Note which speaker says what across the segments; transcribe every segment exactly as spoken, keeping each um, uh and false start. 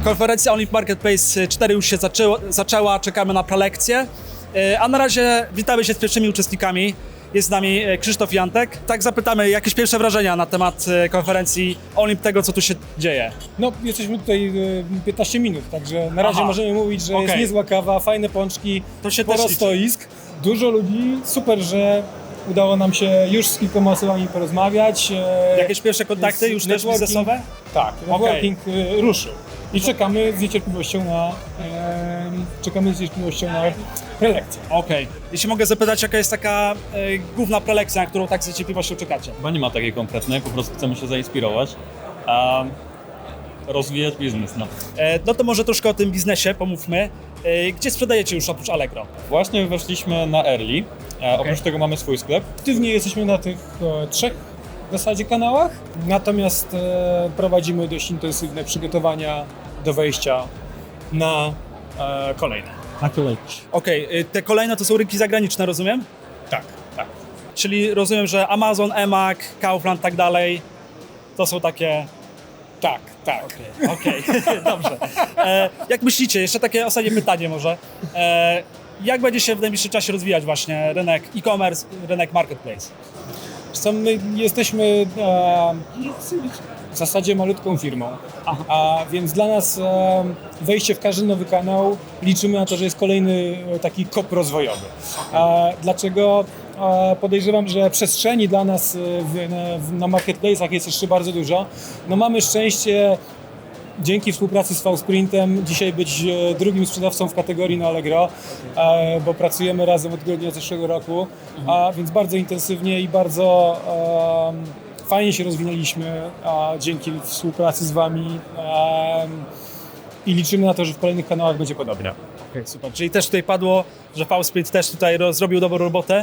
Speaker 1: Konferencja Olymp Marketplace cztery już się zaczęło, zaczęła, czekamy na prelekcję, a na razie witamy się z pierwszymi uczestnikami. Jest z nami Krzysztof i Antek. Tak zapytamy, jakieś pierwsze wrażenia na temat konferencji Olymp, tego co tu się dzieje.
Speaker 2: No, jesteśmy tutaj piętnaście minut, także na razie
Speaker 1: Aha.
Speaker 2: możemy mówić, że
Speaker 1: Okay.
Speaker 2: jest niezła kawa, fajne pączki,
Speaker 1: To się
Speaker 2: sporo
Speaker 1: też liczy.
Speaker 2: stoisk, dużo ludzi, super, że udało nam się już z kilkoma osobami porozmawiać.
Speaker 1: Jakieś pierwsze kontakty już też
Speaker 2: networking-
Speaker 1: biznesowe?
Speaker 2: Tak, networking okay. ruszył. I czekamy z niecierpliwością na, e, czekamy z niecierpliwością na prelekcję.
Speaker 1: Okej. Okay. Jeśli mogę zapytać, jaka jest taka e, główna prelekcja, na którą tak z niecierpliwością czekacie?
Speaker 3: Chyba nie ma takiej konkretnej, po prostu chcemy się zainspirować, a rozwijać biznes. No.
Speaker 1: E, no to może troszkę o tym biznesie pomówmy. E, gdzie sprzedajecie już oprócz Allegro?
Speaker 3: Właśnie weszliśmy na Early, e,
Speaker 1: Okay.
Speaker 3: oprócz tego mamy swój sklep.
Speaker 2: Aktywnie jesteśmy na tych e, trzech w zasadzie kanałach, natomiast e, prowadzimy dość intensywne przygotowania do wejścia na e, kolejne. Na kolejne.
Speaker 1: Okej, okay. Te kolejne to są rynki zagraniczne, rozumiem?
Speaker 2: Tak, tak.
Speaker 1: Czyli rozumiem, że Amazon, eMAG, Kaufland, tak dalej, to są takie...
Speaker 2: Tak, tak.
Speaker 1: Okej, okay. Dobrze. E, jak myślicie, jeszcze takie ostatnie pytanie może, e, jak będzie się w najbliższym czasie rozwijać właśnie rynek e-commerce, rynek marketplace?
Speaker 2: Co my jesteśmy e, w zasadzie malutką firmą, a więc dla nas e, wejście w każdy nowy kanał liczymy na to, że jest kolejny e, taki kop rozwojowy. E, dlaczego? E, podejrzewam, że przestrzeni dla nas w, w, na marketplace'ach jest jeszcze bardzo dużo. No mamy szczęście dzięki współpracy z V-Sprintem dzisiaj być drugim sprzedawcą w kategorii na Allegro, e, bo pracujemy razem od grudnia zeszłego roku, a więc bardzo intensywnie i bardzo e, fajnie się rozwinęliśmy a, dzięki współpracy z Wami e, i liczymy na to, że w kolejnych kanałach będzie podobnie.
Speaker 1: Okay, super. Czyli też tutaj padło, że V-Sprint też tutaj roz, zrobił dobrą robotę.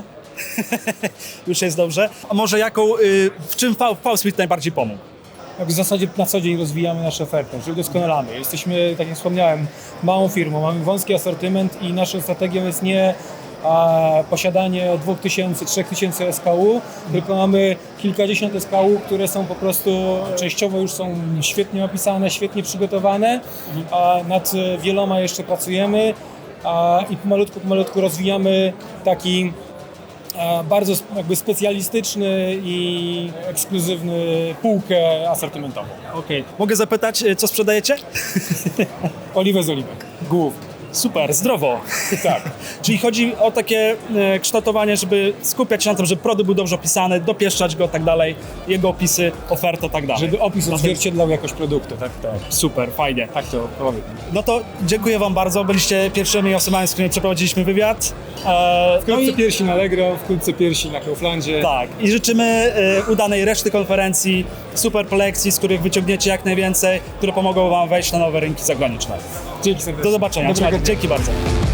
Speaker 1: Już jest dobrze. A może jaką, y, w czym V-Sprint najbardziej pomógł?
Speaker 2: W zasadzie na co dzień rozwijamy naszą ofertę, czyli doskonalamy. Jesteśmy, tak jak wspomniałem, małą firmą, mamy wąski asortyment i naszą strategią jest nie a, posiadanie dwóch tysięcy, trzech tysięcy S K U, tylko mamy kilkadziesiąt S K U, które są po prostu częściowo już są świetnie opisane, świetnie przygotowane, a nad wieloma jeszcze pracujemy a, i pomalutku, pomalutku rozwijamy taki bardzo jakby specjalistyczny i ekskluzywny półkę asortymentową.
Speaker 1: Okej. Okay. Mogę zapytać, co sprzedajecie?
Speaker 2: Oliwę z oliwek. Głównie.
Speaker 1: Super, zdrowo.
Speaker 2: Tak.
Speaker 1: Czyli chodzi o takie e, kształtowanie, żeby skupiać się na tym, żeby produkt był dobrze opisany, dopieszczać go, tak dalej, jego opisy, ofertę, tak dalej.
Speaker 2: Żeby opis odzwierciedlał jakość produktu.
Speaker 1: Tak, tak. Super, fajnie.
Speaker 2: Tak to powiem.
Speaker 1: No to dziękuję Wam bardzo, byliście pierwszymi osobami, z którymi przeprowadziliśmy wywiad. E,
Speaker 2: Wkrótce
Speaker 1: no i,
Speaker 2: piersi na Allegro, wkrótce piersi na Kauflandzie.
Speaker 1: tak, i życzymy e, udanej reszty konferencji, super prelekcji, z których wyciągniecie jak najwięcej, które pomogą Wam wejść na nowe rynki zagraniczne.
Speaker 2: Dzięki serdecznie.
Speaker 1: Do zobaczenia,
Speaker 2: Dobrego
Speaker 1: dzięki bardzo.